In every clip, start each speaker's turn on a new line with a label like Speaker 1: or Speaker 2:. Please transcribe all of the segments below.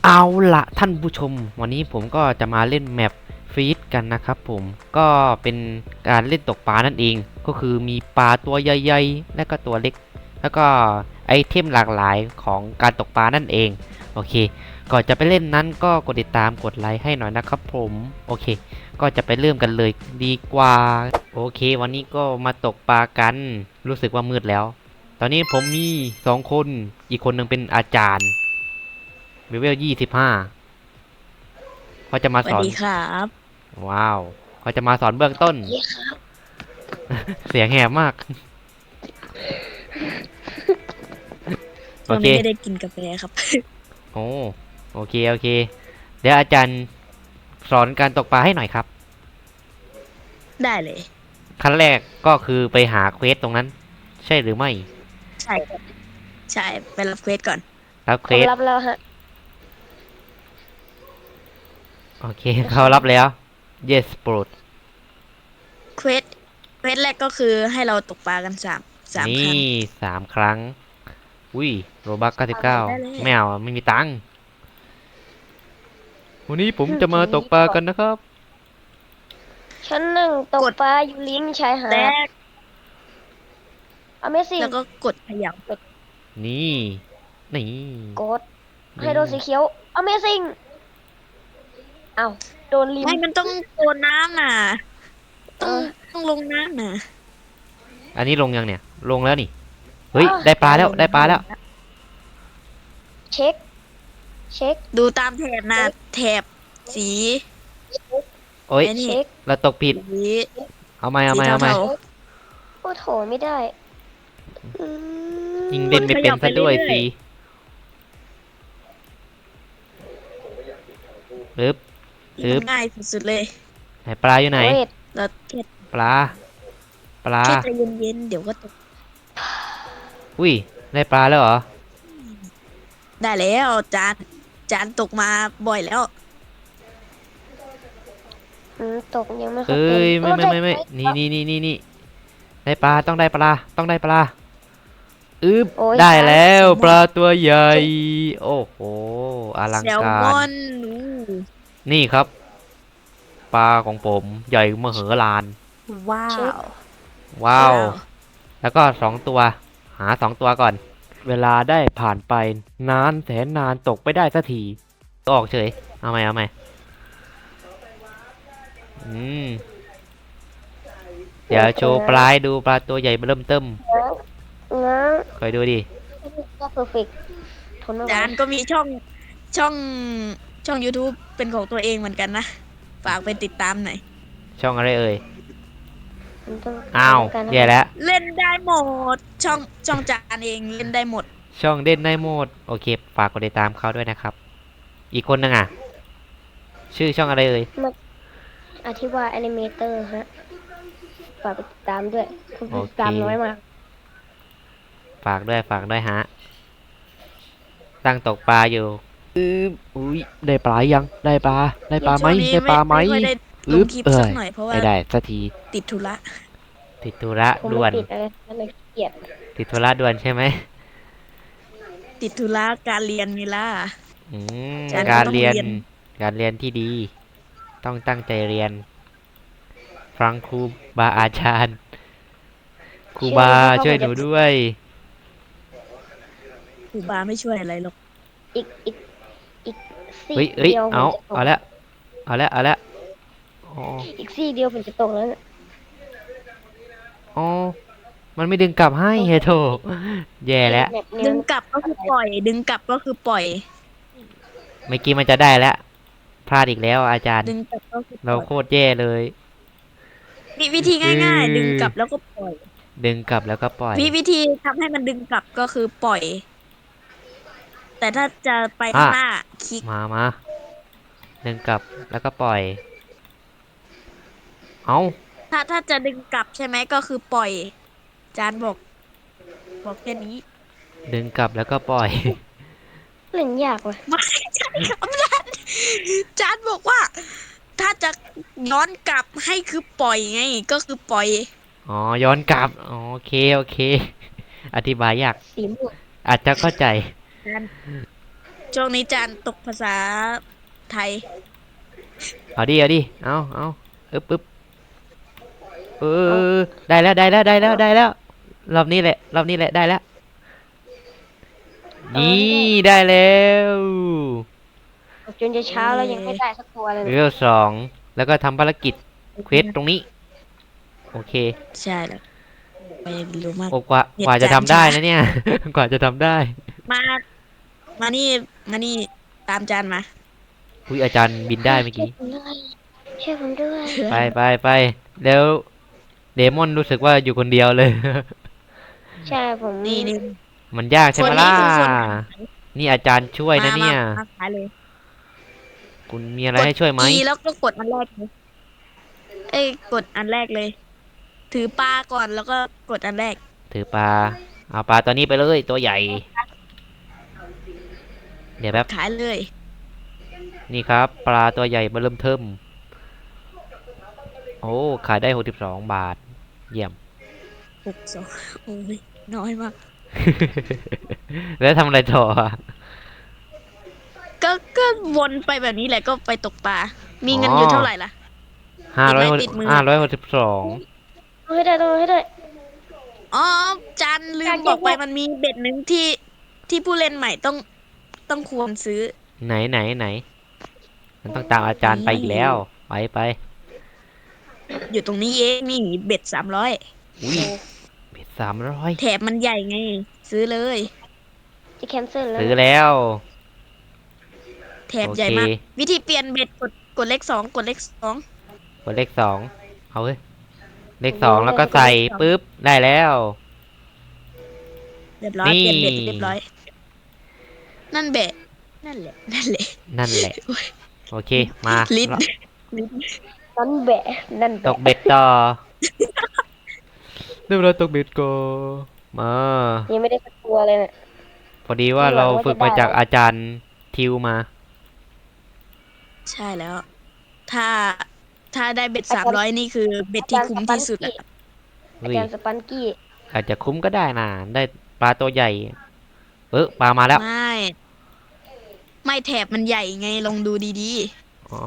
Speaker 1: เอาละท่านผู้ชมวันนี้ผมก็จะมาเล่นแมปฟีดกันนะครับผมก็เป็นการเล่นตกปลานั่นเองก็คือมีปลาตัวใหญ่ๆและก็ตัวเล็กแล้วก็ไอเทมหลากหลายของการตกปลานั่นเองโอเคก่อนจะไปเล่นนั้นก็กดติดตามกดไลค์ให้หน่อยนะครับผมโอเคก็จะไปเริ่มกันเลยดีกว่าโอเควันนี้ก็มาตกปลากันรู้สึกว่ามืดแล้วตอนนี้ผมมี2 คนอีกคนหนึ่งเป็นอาจารย์เลเวล25เขาจะมาสอน
Speaker 2: สวัสดีครับ
Speaker 1: ว้าวเขาจะมาสอนเบื้องต้น
Speaker 3: นี่ครับ
Speaker 1: เสียงแหบมาก โอ
Speaker 2: ช่วง
Speaker 1: เค
Speaker 2: นี้ไม่ได้กินกาแฟครับ
Speaker 1: โอ้โอเคโอเคเดี๋ยวอาจารย์สอนการตกปลาให้หน่อยครับ
Speaker 2: ได้เลย
Speaker 1: ขั้นแรกก็คือไปหาเควสตรงนั้น ใช่หรือไม่
Speaker 2: ใช่ครับใช่ไปรับเควสก่อน
Speaker 1: รับเควส
Speaker 3: ผมรับแล้วฮะ
Speaker 1: โอเคเขารับแล้ว yes โปรด
Speaker 2: เควสแรกก็คือให้เราตกปลากันสามค
Speaker 1: นี่
Speaker 2: รั้ง
Speaker 1: 3 ครั้งอุ้ยโรบัค99
Speaker 2: ได้เลย
Speaker 1: ไม่เอาไม่มีตังค์วันนี้ผมจะมาตกปลากันนะครับ
Speaker 3: ชั้นหนึ่งตกปลาอยู่ริมชายหา
Speaker 2: แร
Speaker 3: ด
Speaker 2: ก
Speaker 3: Amazing
Speaker 2: แล้วก็กดขยับ
Speaker 1: นี่นี่
Speaker 3: กดให้โดนสีเขียว Amazing อ้าวโดนริม
Speaker 2: ไม่มันต้องโดนน้ำน่ะต้อง
Speaker 3: เออ
Speaker 2: ต้องลงน้ำน่ะ
Speaker 1: อันนี้ลงยังเนี่ยลงแล้วนี่เฮ้ย
Speaker 3: อ้าว
Speaker 1: ได้ปลาแล้ว
Speaker 2: ลง
Speaker 1: ได้ปลาแล้ว
Speaker 3: เช็ค เช็ค
Speaker 2: ดูตามแถบนะแถบสี
Speaker 1: โอ้ย
Speaker 2: ไอ้นี่
Speaker 3: เช็ค
Speaker 1: เราตกผิด
Speaker 2: สี
Speaker 1: เอาไหมเอา
Speaker 2: สี
Speaker 1: ไหมเอาไหม
Speaker 2: เทา
Speaker 3: โอ้โถไม่ได้อื
Speaker 1: ยิง
Speaker 3: ม
Speaker 1: เล่นไม่เป็นซะด้วยสิปึ๊บ
Speaker 2: ๆ
Speaker 1: ปึ๊บ
Speaker 2: มันง่ายสุดๆเลย
Speaker 1: ไหนปลาอยู่ไหน
Speaker 3: เวท
Speaker 2: เราแค่
Speaker 1: ปลาปลา
Speaker 2: แค่ใจเย็นๆเดี๋ยวก็ตก
Speaker 1: อุ้ยได้ปลาแล้วเหรอ
Speaker 2: ได้แล้วจานตกมาบ่อยแล้ว
Speaker 3: ตกยังไม่ค่อย
Speaker 1: เอ้
Speaker 3: เป็น
Speaker 1: ยไม่นี่ได้ปลาต้องได้ปลาต้องได้ปลาอึบ
Speaker 3: โอ้ย
Speaker 1: ได้แล้วปลาตัวใหญ่โอ้โหอลัง
Speaker 2: แซล
Speaker 1: กา
Speaker 2: มอ
Speaker 1: ร
Speaker 2: นอู้
Speaker 1: นี่ครับปลาของผมใหญ่มโหฬาร
Speaker 2: ว้า
Speaker 3: เช็คว
Speaker 1: ว้าวแล้วก็2 ตัวหา2 ตัวก่อนเวลาได้ผ่านไปนานแสนนานตกไปได้สักทีก็ออกเฉยเอาไหมเอาไหมอืมเดี๋ยวโชว์ปลายดูปลาตัวใหญ่เริ่มเติม
Speaker 3: ง้าง
Speaker 1: คอยดูดิ
Speaker 3: ก็เพอร์เฟกทนไม่ไหว
Speaker 2: จานก็มีช่องช่อง YouTube เป็นของตัวเองเหมือนกันนะ ฝากไปติดตามหน่อย
Speaker 1: ช่องอะไรเอ่ย
Speaker 3: มันต้อง
Speaker 1: อ้าว
Speaker 3: การ
Speaker 1: แย่แล้ว
Speaker 2: เล่นได้หมด ช่องจานเองเล่นได้หมด
Speaker 1: ช่องเด่นได้โหมดโอเคฝากกดติดตามเขาด้วยนะครับอีกคนนึงอ่ะชื่อช่องอะไรเอ่ย
Speaker 3: อธิบายแอนิเมเตอร์ฮะฝากไปติดตามด้วยคน
Speaker 1: โอ
Speaker 3: ติด
Speaker 1: เค
Speaker 3: ตามน้อยมาก
Speaker 1: ฝากด้วยฮะตั้งตกปลาอยู่อุ้ยได้ปลายังได้ปลาได้ปลาไหม
Speaker 2: ช่วงนี้
Speaker 1: ได้ปลาไหม
Speaker 2: ไม่ค่อยได้ลงคลิปสักหน่อยเพราะว่า
Speaker 1: ไม่ได้สักที
Speaker 2: ติดธุระ
Speaker 1: ติดธุระ
Speaker 3: ผม
Speaker 1: ด่ว
Speaker 3: ไม่
Speaker 1: น
Speaker 3: ติดอะไรนั่นเลยขี้เกียด
Speaker 1: ติดธุระด่วนใช่ไหม
Speaker 2: ติดธุระการเรียนนี่ล่ะ
Speaker 1: อืม
Speaker 2: ฉันก็
Speaker 1: การ
Speaker 2: ต้อง
Speaker 1: เรียน
Speaker 2: เรียน
Speaker 1: การเรียนที่ดี ต้องตั้งใจเรียนฟังครูบาอาจารย์ครูบาช่วยหนูด้วย
Speaker 2: ครูบาไม่ช่วยอะไรหรอก
Speaker 3: อีกซี่
Speaker 1: เฮ้ย
Speaker 3: เดียวผมจะตก
Speaker 1: เอาละเอาละอ๋อ
Speaker 3: อีกซี่เดียวผมจะตกแล้วเนี่ย
Speaker 1: อ๋อมันไม่ดึงกลับให้เฮโถแย่แล้ว
Speaker 3: แบบแน
Speaker 2: ดึ
Speaker 3: ว
Speaker 2: งกลับก็คือปล่อย ดึงกลับก็คือปล่อย
Speaker 1: เมื่อกี้มันจะได้แล้วพลาดอีกแล้วอาจารย์
Speaker 2: ดึงกลับก็คือป
Speaker 1: เรา
Speaker 2: ล่อย
Speaker 1: โคตรแย่เลย
Speaker 2: มีวิธีง่ายๆ ดึงกลับแล้วก็ปล่อย
Speaker 1: ดึงกลับแล้วก็ปล่อย
Speaker 2: วิธีทำให้มันดึงกลับก็คือปล่อย แต่ถ้าจะไปข้างหน้าคลิก
Speaker 1: มาดึงกลับแล้วก็ปล่อยเอา
Speaker 2: ถ้าจะดึงกลับใช่ไหมก็คือปล่อย จานบอกแค่นี้
Speaker 1: ดึงกลับแล้วก็ปล่อย
Speaker 3: เล่นยากว่ะ
Speaker 2: ไม่จานจานบอกว่า ถ้าจะย้อนกลับให้คือปล่อยไง ก็คือปล่อย
Speaker 1: อ๋อย้อนกลับอ๋อโอเคอธิบายยาก
Speaker 3: สีม่วง
Speaker 1: อาจจะเข้าใจ
Speaker 2: จานช่วงนี้จานตกภาษาไทย
Speaker 1: เอาดิเอาดิเอาอึบเอ
Speaker 3: เอา
Speaker 1: อได้แล้วรอบนี้แหละได้แล้วนี่
Speaker 3: ให้ได้
Speaker 1: ได้แล้ว
Speaker 3: จนจะเช้าแล้วยังไม่ได้สักตัวเลย
Speaker 1: เว
Speaker 3: เนี่ย
Speaker 1: ลสองแล้วก็ทำภารกิจเควสตรงนี้โอเค
Speaker 2: ใช่แล้วไปรู้มาก
Speaker 1: โอ้กว่าจะทำได้นะเนี่ย กว่าจะทำได้
Speaker 2: มามานี่มานี่ตามจานมา
Speaker 1: อุ้ยอาจารย์บินได้เมื่อกี้
Speaker 3: ช่วยผมด้วย
Speaker 1: ไปแล้วเดมอนรู้สึกว่าอยู่คนเดียวเลย
Speaker 3: ใช่ผม
Speaker 2: นี่
Speaker 1: มันยากใช่ไหมล่ะนี่อาจารย์ช่วยนะเนี่ย
Speaker 2: มาขายเลย
Speaker 1: คุณมีอะไรให้ช่วยไหม
Speaker 2: E แล้วก็กดอันแรกเลยเอ้ยกดอันแรกเลย ถือปลาก่อนแล้วก็กดอันแรก
Speaker 1: ถือปลาเอาปลาตัวนี้ไปเลยตัวใหญ่ เดี๋ยวแป๊บ
Speaker 2: ขายเลย
Speaker 1: นี่ครับปลาตัวใหญ่เริ่มเทิมโอ้ขายได้62 บาทเยี่ยม
Speaker 2: 62โอ้ยน้อยมาก
Speaker 1: แล้วทำอะไรต่ออะ
Speaker 2: ก็วนไปแบบนี้แหละก็ไปตกปลา มีเงินอยู่เท่าไหร่ล่ะ ติดมือ
Speaker 1: 562
Speaker 3: ต้องให้ได้ต้องให้ได้
Speaker 2: อ๋อจันลืมบอกไปมันมีเบ็ดหนึ่งที่ผู้เล่นใหม่ต้องควรซื้อ
Speaker 1: ไหนมันต้องตามอาจารย์ไปอีกแล้วไป
Speaker 2: อยู่ตรงนี้เองนี่เบ็ด300
Speaker 1: อุ้ยเบ็ด300
Speaker 2: แถบมันใหญ่ไง ซื้อเลย
Speaker 3: จะแคนเซิลแล้ว
Speaker 1: ซื้อแล้ว
Speaker 2: แถบใหญ่มาก วิธีเปลี่ยนเบ็ดกดเลข2กดเลข2
Speaker 1: กดเลข2เอาเว้ยเลข2แล้วก็ใส่ปุ๊บได้แล้ว
Speaker 2: เรียบร้อย
Speaker 1: นี่
Speaker 2: เปลี่ยนเบ็ดเรียบร้อย นั่นเบ็ดนั่นแหละ
Speaker 1: นั่นแหละโอเคมา
Speaker 2: ลิ้น
Speaker 3: นั่นแบะนั่น
Speaker 1: ต
Speaker 3: แบะ
Speaker 1: กเบ็ดต่อเรียบร้อยตกเบ็ดก็มา
Speaker 3: ยังไม่ได้สักตัวเลยเนี่ย
Speaker 1: พอดีว่าเราฝึกมาจากอาจารย์ทิวมา
Speaker 2: ใช่แล้ว ถ้าได้เบ็ด300นี่คือเบ็ดที่คุ้มที่สุดอะ
Speaker 3: อา
Speaker 1: เฮ้ย
Speaker 3: จารย์สปันกี้
Speaker 1: อาจจะคุ้มก็ได้นะได้ปลาตัวใหญ่ปลามาแล้ว
Speaker 2: ไม่แถบมันใหญ่ไงลองดูดี
Speaker 1: อ๋อ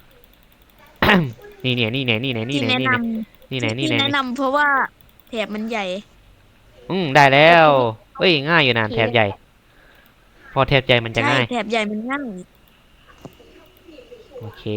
Speaker 1: นี่เนี่ย
Speaker 2: ๆที่แนะน
Speaker 1: นี่ไหน
Speaker 2: ที่แนะนำเพราะว่าแถบมันใหญ่
Speaker 1: ได้แล้วเฮ้ยง่ายอยู่นะแถบใหญ่ พอแถบใหญ่มันจะ
Speaker 2: ใช่
Speaker 1: ง่าย
Speaker 2: แถบใหญ่มันง่าย
Speaker 1: โอเค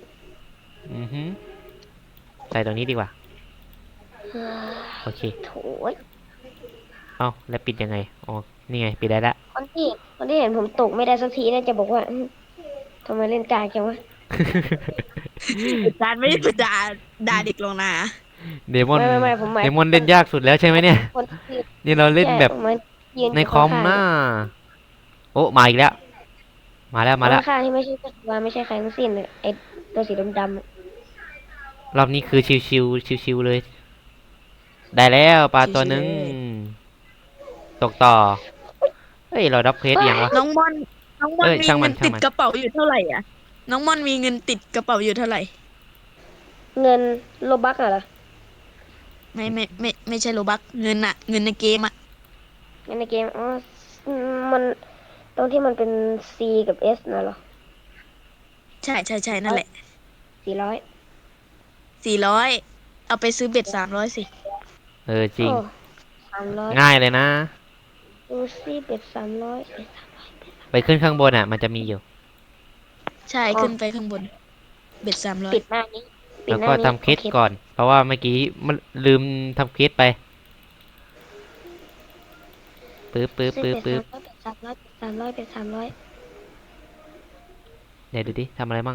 Speaker 1: ใส่ตรงนี้ดีกว่า โอเค
Speaker 3: โถ่ย
Speaker 1: เอ้าแล้วปิดยังไงอ๋อนี่ไงปิดได้ละ
Speaker 3: คนที่เห็นผมตกไม่ได้สักทีน่าจะบอกว่าทำไมเล่นกากจังวะ
Speaker 2: จานไม่ได้ด่าเด็กลงนะ
Speaker 1: เดมอน
Speaker 3: ไม่ผมหมาย
Speaker 1: เดมอนเล่นยากสุดแล้วใช่ไหมเนี่ย
Speaker 3: คนที่
Speaker 1: นี่เราเล่นแบบ
Speaker 3: ใช่ผมยื
Speaker 1: ในคอมหน้าโอ้มาอีกแล้ว มาแล้ว
Speaker 3: ข้างๆที่ไม่ใช่ตัวไม่ใช่ใครทั้งสิ้นเลยไอ้ตัวสีดำๆอะ
Speaker 1: รอบนี้คือชิวๆเลย ได้แล้วปลาตัวหนึงตกต่อเฮ้ยเราดับเพจยังวะ
Speaker 2: น้องม่อน
Speaker 1: เอ้ย
Speaker 2: มี
Speaker 1: ช่างมั
Speaker 2: เงิ
Speaker 1: น
Speaker 2: นติดกระเป๋าอยู่เท่าไหร่อ่ะ น้องม่อนมีเงินติดกระเป๋าอยู่เท่าไหร่
Speaker 3: เงินโลบักเหรอ
Speaker 2: ไม่ใช่โลบักเงินอะเงินในเกมอะ
Speaker 3: เงินในเกมอ๋อมันตรงที่มันเป็น C กับ S น่ะเหรอ
Speaker 2: ใช่นั่นแหละ
Speaker 3: 400
Speaker 2: 400เอาไปซื้อเบ็ด300สิ
Speaker 1: จริง
Speaker 3: โอ้300
Speaker 1: ง่ายเลยนะ
Speaker 3: ดูสิเบ็ด300เบ็ด
Speaker 1: ไปขึ้นข้างบนอ่ะ มันจะมีอยู่
Speaker 2: ใช่ขึ้นไปข้างบน เบ็ด
Speaker 3: 300ปิดหน้านี้ปิด
Speaker 1: แล้ว
Speaker 3: หน้า
Speaker 1: ก็
Speaker 3: นี้
Speaker 1: ทำเคสก่อน เพราะว่าเมื่อกี้มันลืมทำเคสไปปึ๊บ
Speaker 3: ซื้อเบ็ด300เบ็ด300เบ็ด300
Speaker 1: เดี๋ยวดูดิทำอะไรมั่ง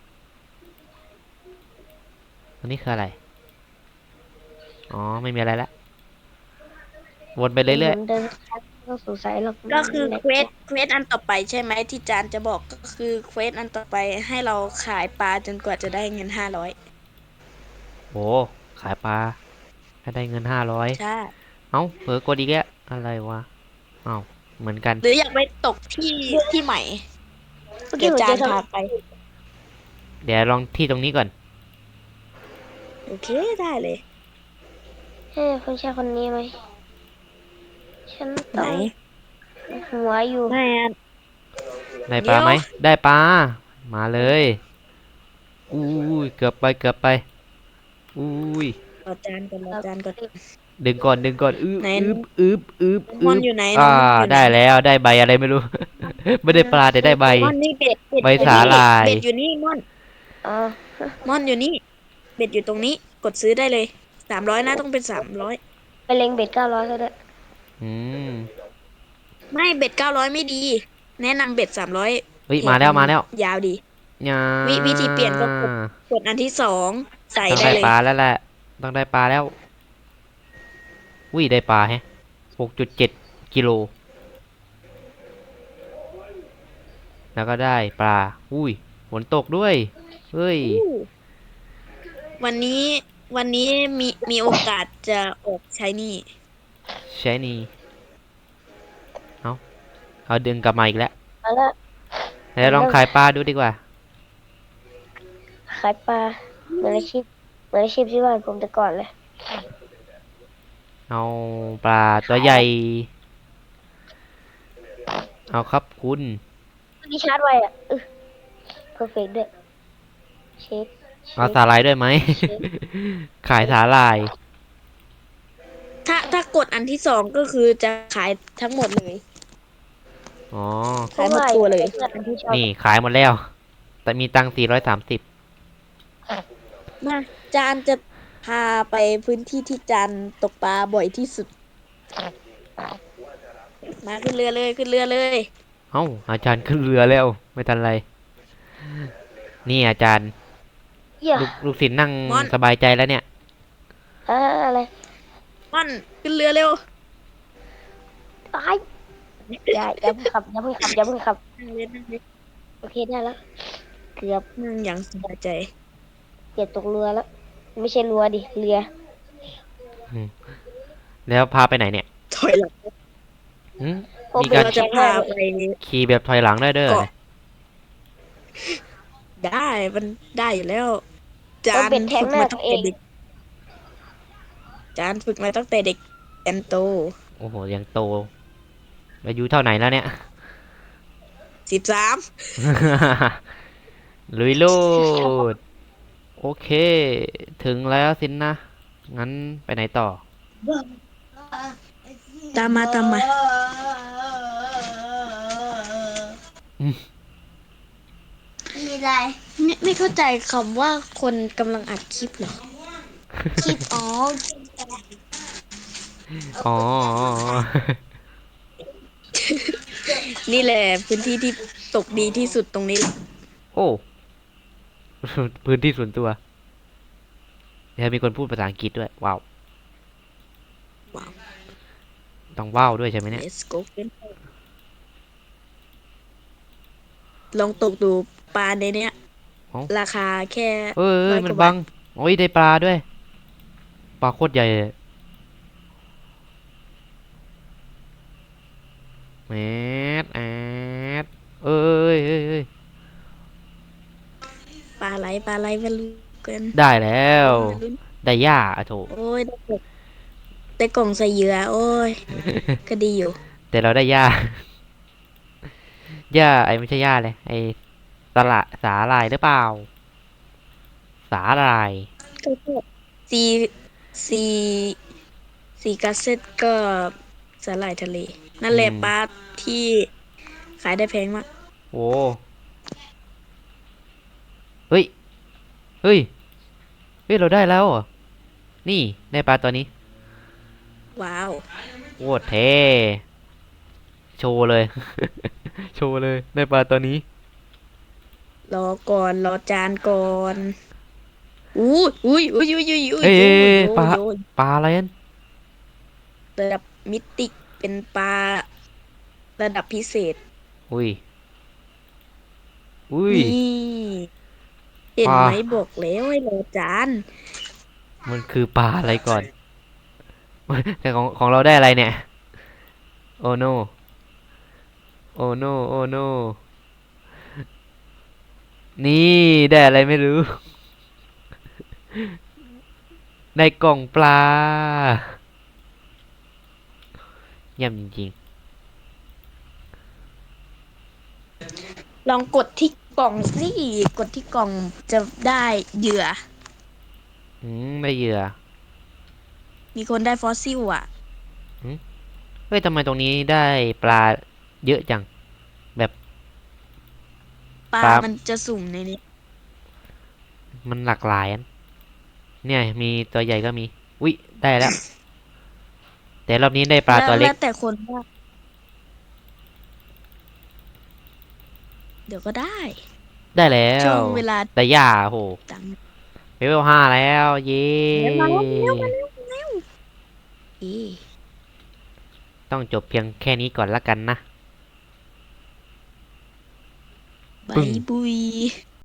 Speaker 1: อันนี้คืออะไร อ๋อ ไม่มีอะไรละวนไปเรื่อย
Speaker 3: เดินต้องสงสัยหรอก
Speaker 2: ก็คือเควสอันต่อไปใช่ไหมที่จานจะบอกก็คือเควสอันต่อไปให้เราขายปลาจนกว่าจะได้เงิน
Speaker 1: ๆโอ้ขายปลาถ้าได้เงิน500
Speaker 2: ใช่
Speaker 1: เอ้าเผลอกดอีกแล้วอะไรวะเอ้าเหมือนกัน
Speaker 2: หรืออยากไปตกที่ใหม่
Speaker 3: เมื่อ
Speaker 2: เดี๋
Speaker 3: กี้
Speaker 2: ยว
Speaker 3: ผม
Speaker 2: จา
Speaker 3: เจ
Speaker 2: น
Speaker 3: อ
Speaker 2: พาไป
Speaker 1: เดี๋ยวลองที่ตรงนี้ก่อน
Speaker 2: โอเคได้เลย
Speaker 3: คนชายคนนี้ไหมฉัน
Speaker 2: ไหน
Speaker 3: ต้องหัวอยู่
Speaker 2: ไม่อะ
Speaker 1: ได้ปลาไหมได้ปลามาเลยอุ้ยเกือบไปเกือบไปอุ้ย
Speaker 2: รอจานก่อนรอจานก่อน
Speaker 1: ดึงก่อนดึงก่อน
Speaker 2: ไหน
Speaker 1: อึบ
Speaker 2: น้องมอนอยู่ไหนน้
Speaker 1: อ่า
Speaker 2: องมอนอยู่ไหน
Speaker 1: ได้แล้วได้ใบอะไรไม่รู้ ไม่ได้ปลาแต่ได้ใบ
Speaker 2: มอนนี่เบ็ด
Speaker 1: ใบ
Speaker 2: อยู่
Speaker 1: สา
Speaker 2: นี่
Speaker 1: หร่าย
Speaker 2: เบ็ดอยู่นี่มอน
Speaker 3: อ่า
Speaker 2: มอนอยู่นี่เบ็ดอยู่ตรงนี้กดซื้อได้เลย300นะต้องเป็น300
Speaker 3: ไปเล็งเบ็ด900ก็ได้
Speaker 1: อืม
Speaker 2: ไม่เบ็ด900ไม่ดีแนะนำเบ็ด300
Speaker 1: เฮ้ยมาแล้วมาแล้ว
Speaker 2: ยาวดี
Speaker 1: ยา
Speaker 2: วิธีเปลี่ยนก็กดอันที่สองใส่
Speaker 1: ต้อง
Speaker 2: ได้เลย
Speaker 1: ได้ปลาแล้วแหละต้องได้ปลาแล้วอุ้ยได้ปลาแฮะ6.7 กิโลแล้วก็ได้ปลาอุ้ยฝนตกด้วยเฮ้ย
Speaker 2: วันนี้วันนี้มีโอกาสจะออกใช้นี่
Speaker 1: ใช่นี่เอาดึงกลับมาอีกแล้ว
Speaker 3: มาแล้ว
Speaker 1: แล้วลองขายปลาดูดีกว่า
Speaker 3: ขายปลาเหมือนอาชีพที่บ้านผมแต่ก่อนเลย
Speaker 1: เอาปลาตัวใหญ่ เอาครับคุณ
Speaker 3: มีชาร์จไว้อ่ะเพอร์เฟกด้วยเชฟ
Speaker 1: เอาสาหร่ายด้วยไหม
Speaker 3: เชฟ
Speaker 1: ขายสาหร่าย
Speaker 2: ถ้ากดอันที่สองก็คือจะขายทั้งหมดเลย
Speaker 1: อ๋อ
Speaker 2: ขายหมดตัวเลย
Speaker 3: อันที่ชอบ
Speaker 1: นี่ขายหมดแล้ว แต่มีตังค์430
Speaker 2: มาจานจะพาไปพื้นที่ที่จานตกปลาบ่อยที่สุด มาขึ้นเรือเลยขึ้นเรือเลย
Speaker 1: เอ้าอาจารย์ขึ้นเรือแล้ว ไม่ทันไร นี่อาจารย์
Speaker 3: เหี้ย
Speaker 1: ลูกศิษย์นั่งสบายใจแล้วเนี่ย
Speaker 3: อะไร
Speaker 2: ม่อนขึ้นเรือเร็ว
Speaker 3: ตายอย่าเพิ่งขับอย่าเพิ่งขับอย่าเพิ่งขับ
Speaker 2: นั่งเลยนั่งเลย
Speaker 3: โอเคได้แล้วเกือบ
Speaker 2: นั่งอย่างสบายใจ
Speaker 3: เกือบตกเรือแล้วไม่ใช่เรือดิเรือ
Speaker 1: แล้วพาไปไหนเนี่ย
Speaker 2: ถอยหลัง
Speaker 1: หืม
Speaker 3: ผม
Speaker 1: มีการ
Speaker 2: เราจะพาไป
Speaker 1: ขี่แบบถอยหลังได้เด้อ
Speaker 2: เกาะ ได้มันได้อยู่แล้ว จา
Speaker 3: ต้อง
Speaker 2: น
Speaker 3: เป็นแทง
Speaker 2: ฝึก
Speaker 3: หน้า
Speaker 2: มา
Speaker 3: ตั
Speaker 2: ตั้
Speaker 3: ว
Speaker 2: ง
Speaker 3: เอ
Speaker 2: แต่
Speaker 3: ง
Speaker 2: เด็กจานฝึกมาตั้งแต่เด็กแอนโต
Speaker 1: โอ้โห ยังโต อายุเท่าไหนแล้วเนี่ย
Speaker 2: 13
Speaker 1: ลุยโลด โอเค ถึงแล้วสินนะ งั้นไปไหนต่อ
Speaker 2: ตามมาตามมา
Speaker 4: มีอะไร
Speaker 2: ไม่เข้าใจคำว่าคนกำลังอัดคลิปเหรอ
Speaker 4: คลิปอ๋อ
Speaker 1: อ๋อ
Speaker 2: นี่แหละพื้นที่ที่ตกดีที่สุดตรงนี้แหละ
Speaker 1: โอ้ พื้นที่ส่วนตัว เดี๋ยวมีคนพูดภาษาอังกฤษด้วย ว้าว
Speaker 2: ว้าว
Speaker 1: ต้องว้าวด้วยใช่ไหมเนี่ย
Speaker 2: let's go ลองตกดูปลาในเนี้ย
Speaker 1: เอ้า
Speaker 2: ราคาแค่
Speaker 1: เอ้ย
Speaker 2: 100
Speaker 1: มัน
Speaker 2: กว่า
Speaker 1: บั
Speaker 2: บาท
Speaker 1: ง โอ้ย ได้ปลาด้วย ปลาโคตรใหญ่เลยแมดแอดเอ้ยเอ้ยเอ้ย
Speaker 2: ปลาไหลมาลุ้นกัน
Speaker 1: ได้แล้ว
Speaker 2: มาลุ้น
Speaker 1: ได้หญ้าอะโถ
Speaker 2: โอ้ยได้กล่องใส่เหยื่อโอ้ย ก็ดีอยู่
Speaker 1: แต่เราได้หญ้า หญ้าไอ้ไม่ใช่หญ้าเลย ไอ้สาหร่ายหรือเปล่า สาหร่าย
Speaker 2: ก็ซีซีซีกัสเซ็ตก็สาหร่ายทะเล นั่นแหละปลาที่ขายได้แพงมาก
Speaker 1: โอ้ เฮ้ย เฮ้ย เฮ้ย เราได้แล้วเหรอนี่ได้ปลาตัวนี้
Speaker 2: ว้าว
Speaker 1: โคตรเท่โชว์เลย โชว์เลย ได้ปลาตัวนี้
Speaker 2: รอก่อนรอจานก่อนอุ้ยอุ้ยอุ้ยอุ้ยอุ้ยอุ้ย
Speaker 1: เอ้ย
Speaker 2: โย
Speaker 1: เอ้ย
Speaker 2: โย
Speaker 1: ปลา
Speaker 2: โย
Speaker 1: ปลาอะไรนั่น
Speaker 2: ระดับมิติเป็นปลาระดับพิเศษ
Speaker 1: อุ้ย อุ้ย
Speaker 2: นี่เห็น
Speaker 1: ปลา
Speaker 2: ไหมบอกแล้วให้รอจาน
Speaker 1: มันคือปลาอะไรก่อน แต่ของเราได้อะไรเนี่ย โอ้โน โอ้โน โอ้โน นี่ได้อะไรไม่รู้ ได้กล่องปลา เยี่ยมจริง
Speaker 2: ลองกดที่กล่องสิกดที่กล่องจะได้เหยื่อ
Speaker 1: ได้เหยื่อ
Speaker 2: มีคนได้ฟอสซิลอ่ะ
Speaker 1: เฮ้ยทำไมตรงนี้ได้ปลาเยอะจัง แบบ
Speaker 2: ปลา
Speaker 1: ครับ
Speaker 2: มันจะสุ่มในนี้
Speaker 1: มันหลากหลายอันเนี่ยมีตัวใหญ่ก็มี อุ๊ย ได้แล้ว แต่รอบนี้ได้ปลาตัวเล็ก
Speaker 2: แล้วแต่คนว่าเดี๋ยวก็ได้
Speaker 1: ได้แล้
Speaker 2: ช่ว
Speaker 1: ว
Speaker 2: งเวลา
Speaker 1: แต่ย่าโห
Speaker 2: ตัง
Speaker 1: เลเวล5แล้ว เย้
Speaker 2: มาแล้วเอ๊ะ
Speaker 1: ต้องจบเพียงแค่นี้ก่อนละกันนะ
Speaker 2: บา
Speaker 1: ปึ้
Speaker 2: ย
Speaker 1: ง
Speaker 2: บุย